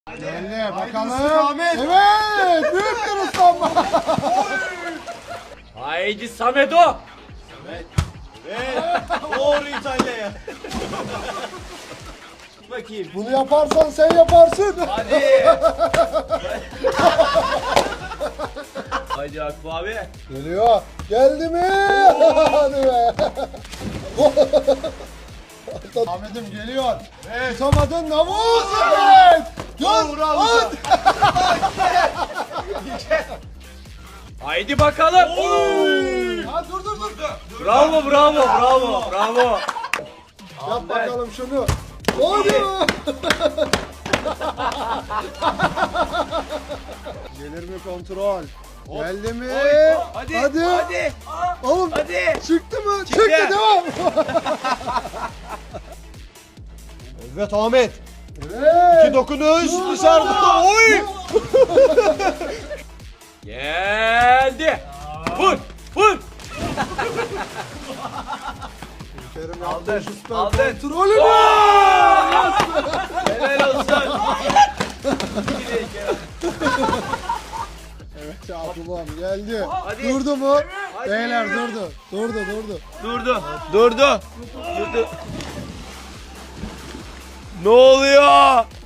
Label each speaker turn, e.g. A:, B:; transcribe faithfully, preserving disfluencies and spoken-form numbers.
A: Geldi bakalım. Evet. Büyük bir ıslanma.
B: Haydi Samedo.
C: Evet. Doğru İtalya'ya. Bakayım.
A: Bunu yaparsan sen yaparsın.
C: Hadi. Haydi Akif abi.
A: Geliyor. Geldi mi? Hadi be. Ahmet'im geliyor. Evet. Tutamadın Navuz. Evet. Dur. At.
B: Haydi bakalım.
A: Ha, dur dur dur.
B: Bravo bravo bravo bravo.
A: Yap bakalım şunu. Hadi. Gelir mi kontrol? Geldi mi?
C: Hadi.
A: Hadi.
C: Hadi.
A: Oğlum
C: Hadi.
A: çıktı mı? Çıktı, devam.
C: Evet Ahmet.
A: Evet.
C: İki dokunuş dışarıda. Oy.
B: Geldi. Vur vur.
A: Kerim
C: Aldın,
A: yaptı şu süper
C: aldın.
A: kontrolünü.
C: Helal olsun.
A: Evet Abdullah'ım geldi.
C: Hadi.
A: Durdu mu?
C: Hadi.
A: Beyler durdu. Durdu durdu.
C: Durdu. Durdu. Durdu. Ne oluyor?